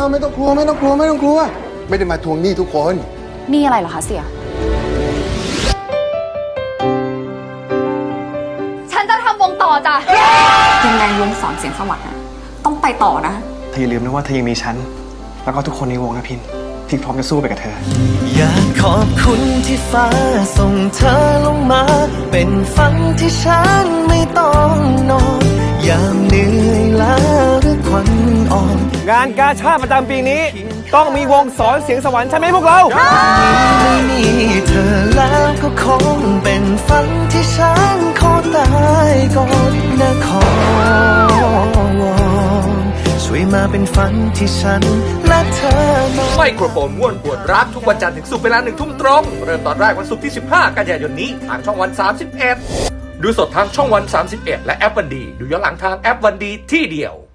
ไม่ต้องกลัวไม่ได้มาทวงหนี้ทุกคนนี่อะไรเหรอคะเสียฉันจะทำวงต่อจ้ะยังไงวงสอนเสียงสวรรค์นะต้องไปต่อนะเธออย่าลืมนะว่าเธอยังมีฉันแล้วก็ทุกคนในวงนะพินที่พร้อมจะสู้ไปกับเธออยากขอบคุณที่ฟ้าส่งเธอลงมาเป็นฝันที่ฉันไม่ต้องนอนยามเหนื่อยล้าหรือควันอ่อนงานกาชาดประจำปีนี้ต้องมีวงสอนเสียงสวรรค์ใช่ไหมพวกเราไม่มีเธอแล้วก็คงเป็นฝันที่ฉันขอตายก่อนนะขอวอนช่วยมาเป็นฝันที่ฉันและเธอไมโครโฟนม่วนปวดรักทุกวันจันทร์ถึงศุกร์เวลา1 ทุ่มตรงเริ่มตอนแรกวันศุกร์ที่15 กันยายนนี้ทางช่องวัน31ดูสดทางช่องวัน31และแอปวันดีดูย้อนหลังทางแอปวันดีที่เดียว